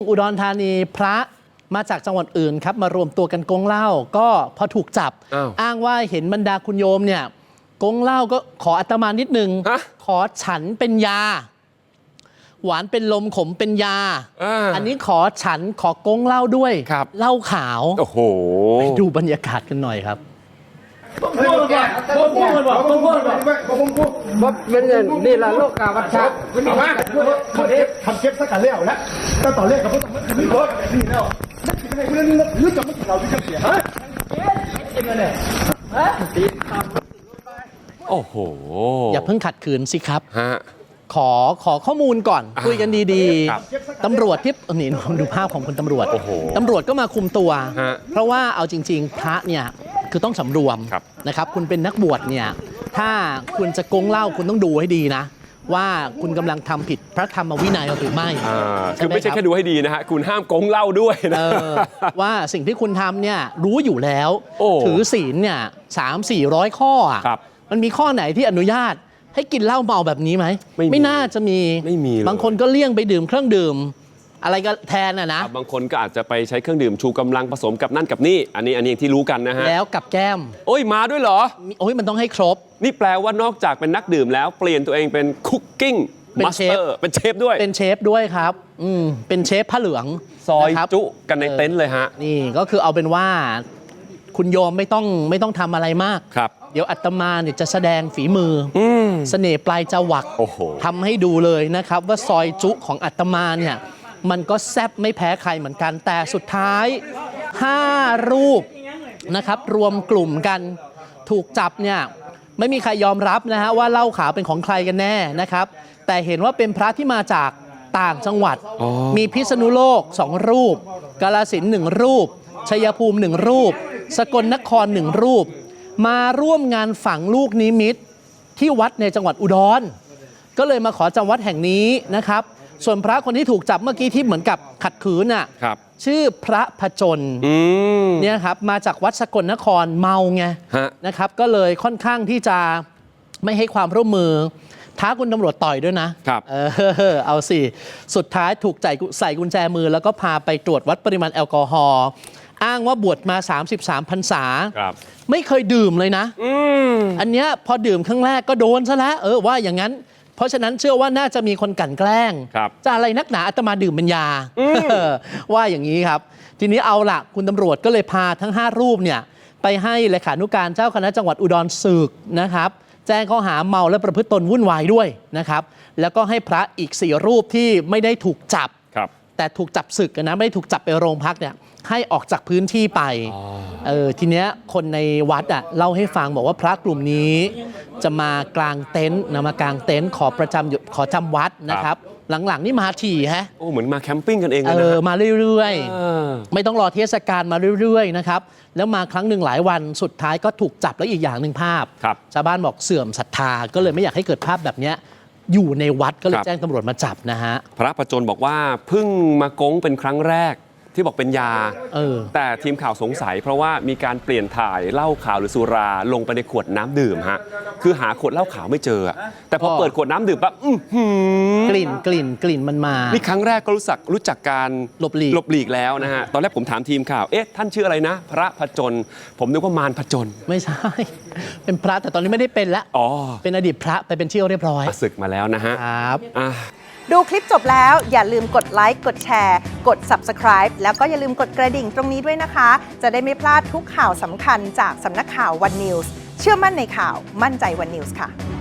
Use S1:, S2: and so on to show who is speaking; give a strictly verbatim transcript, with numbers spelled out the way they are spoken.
S1: อุดรธานีพระมาจากจังหวัดอื่นครับมารวมตัวกันกงเหล้าก็พอถูกจับ อ, อ้างว่าเห็นบรรดาคุณโยมเนี่ยกงเหล้าก็ขออาตมานิดนึงขอฉันเป็นยาหวานเป็นลมขมเป็นยา อ, อันนี้ขอฉันขอกงเหล้าด้วยเหล้าขาวโอ้โหไปดูบรรยากาศกันหน่อยครับ
S2: ต้องพูดก่อนต้องพูดก่อนต้องพูดก่อนต้องพูดว่าเป็นเงินนี่ละโลกกาวัชชะเป็นว่าทำเอฟทำเก็บสักการเลี้ยวแล้วก็ต่อเลขกับพวกมันคือรถนี่แล้วไม่คุณนี่หรือจะไม่เราที่จะเสียฮะเก็บเงินเนี่ยฮะ
S1: โอ้โหอย่าเพิ่งขัดขืนสิครับฮะขอขอข้อมูลก่อนคุยกันดีๆตำรวจที่นี่ดูภาพของคุณตำรวจตำรวจก็มาคุมตัวเพราะว่าเอาจริงๆพระเนี่ยคือต้องสำรวมนะครับคุณเป็นนักบวชเนี่ยถ้าคุณจะโกงเหล้าคุณต้องดูให้ดีนะว่าคุณกำลังทำผิดพระธรรมวินัยหรือไม่
S3: คือไม่ใช่แค่ดูให้ดีนะฮะคุณห้ามโกงเหล้าด้วยนะ
S1: ว่าสิ่งที่คุณทำเนี่ยรู้อยู่แล้วถือศีลเนี่ยสามสี่ร้อยข้อมันมีข้อไหนที่อนุญาตให้กินเหล้าเมาแบบนี้ไหมไม่น่าจะมีบางคนก็เลี่ยงไปดื่มเครื่องดื่มอะไรก็แทนนะนะ
S3: บางคนก็อาจจะไปใช้เครื่องดื่มชูกำลังผสมกับนั่นกับนี่อันนี้อันนี้ที่รู้กันนะฮะ
S1: แล้วกับแก้ม
S3: โอ้ยมาด้วยเหรอ
S1: โอ้ยมันต้องให้ครบ
S3: นี่แปลว่านอกจากเป็นนักดื่มแล้วเปลี่ยนตัวเองเป็นคุกกิ้งมาสเตอร์เป็นเชฟด้วย
S1: เป็นเชฟด้วยครับอืมเป็นเชฟผ้าเหลือง
S3: ซอยจุกันในเต็นท์เลยฮะ
S1: นี่ก็คือเอาเป็นว่าคุณโยมไม่ต้องไม่ต้องทำอะไรมาก
S3: ครับ
S1: เดี๋ยวอาตมาเนี่ยจะแสดงฝีมือเสน่ห์ปลายจวักทำให้ดูเลยนะครับว่าซอยจุของอาตมาเนี่ยมันก็แซ่บไม่แพ้ใครเหมือนกันแต่สุดท้ายห้ารูปนะครับรวมกลุ่มกันถูกจับเนี่ยไม่มีใครยอมรับนะฮะว่าเหล้าขาวเป็นของใครกันแน่นะครับแต่เห็นว่าเป็นพระที่มาจากต่างจังหวัดมีพิษณุโลกสองรูปกาฬสินธุ์หนึ่งรูปชัยภูมิหนึ่งรูปสกลนครหนึ่งรูปมาร่วมงานฝังลูกนิมิตที่วัดในจังหวัดอุดรก็เลยมาขอจำวัดแห่งนี้นะครับส่วนพระคนที่ถูกจับเมื่อกี้ที่เหมือนกับขัดขืนน่ะชื่อพระพจนเนี่ยครับมาจากวัดสกลนครเมาไงนะครับก็เลยค่อนข้างที่จะไม่ให้ความร่วมมือท้าคุณตำรวจต่อยด้วยนะเออเอาสิสุดท้ายถูกใส่กุญแจมือแล้วก็พาไปตรวจวัดปริมาณแอลกอฮอล์อ้างว่าบวชมาสามสิบสามพรรษาไม่เคยดื่มเลยนะออันเนี้ยพอดื่มครั้งแรกก็โดนซะแล้วเออว่าอย่างนั้นเพราะฉะนั้นเชื่อว่าน่าจะมีคนกลั่นแกล้งจะอะไรนักหนาอาตมาดื่มเป็นยาว่าอย่างนี้ครับทีนี้เอาล่ะคุณตำรวจก็เลยพาทั้งห้ารูปเนี่ยไปให้เลขานุการเจ้าคณะจังหวัดอุดรศึกนะครับแจ้งข้อหาเมาและประพฤติตนวุ่นวายด้วยนะครับแล้วก็ให้พระอีกสี่รูปที่ไม่ได้ถูกจับแต่ถูกจับศึกนะไม่ได้ถูกจับไปโรงพักเนี่ยให้ออกจากพื้นที่ไปเออทีเนี้ยคนในวัดอ่ะเล่าให้ฟังบอกว่าพระกลุ่มนี้จะมากลางเต็นท์นะมากลางเต็นท์ขอประจำขอจำวัดนะครับหลังๆนี่มาถี่ฮะ
S3: โอ้เหมือนมาแคมปิ้งกันเองเลยนะ
S1: เออมาเรื่อยๆไม่ต้องรอเทศกาลมาเรื่อยๆนะครับแล้วมาครั้งหนึ่งหลายวันสุดท้ายก็ถูกจับแล้วอีกอย่างหนึ่งภาพชาวบ้านบอกเสื่อมศรัทธาก็เลยไม่อยากให้เกิดภาพแบบเนี้ยอยู่ในวัดก็เลยแจ้งตำรวจมาจับนะฮะ
S3: พระประจนบอกว่าเพิ่งมาโกงเป็นครั้งแรกที่บอกเป็นยาแต่ทีมข่าวสงสัยเพราะว่ามีการเปลี่ยนถ่ายเหล้าขาวหรือสุราลงไปในขวดน้ำดื่มฮะคือหาขวดเหล้าขาวไม่เจอแต่พอเปิดขวดน้ำดื่มปั๊บ
S1: กลิ่นกลิ่นกลิ่นมันมา
S3: นี่ครั้งแรกก็รู้จักรู้จักการ
S1: หลบหลีก
S3: หลบหลีกแล้วนะฮะตอนแรกผมถามทีมข่าวเอ๊ะท่านชื่ออะไรนะพระผจญผมนึกว่ามารผจญ
S1: ไม่ใช่เป็นพระแต่ตอนนี้ไม่ได้เป็นแล้วอ๋อเป็นอดีตพระไปเป็นเชี่ยวเรียบร้อย
S3: ศึกมาแล้วนะฮะ
S1: ครับ
S4: ดูคลิปจบแล้วอย่าลืมกดไลค์กดแชร์กด ซับสไครบ์ แล้วก็อย่าลืมกดกระดิ่งตรงนี้ด้วยนะคะจะได้ไม่พลาดทุกข่าวสำคัญจากสำนักข่าววันนิวส์เชื่อมั่นในข่าวมั่นใจวันนิวส์ค่ะ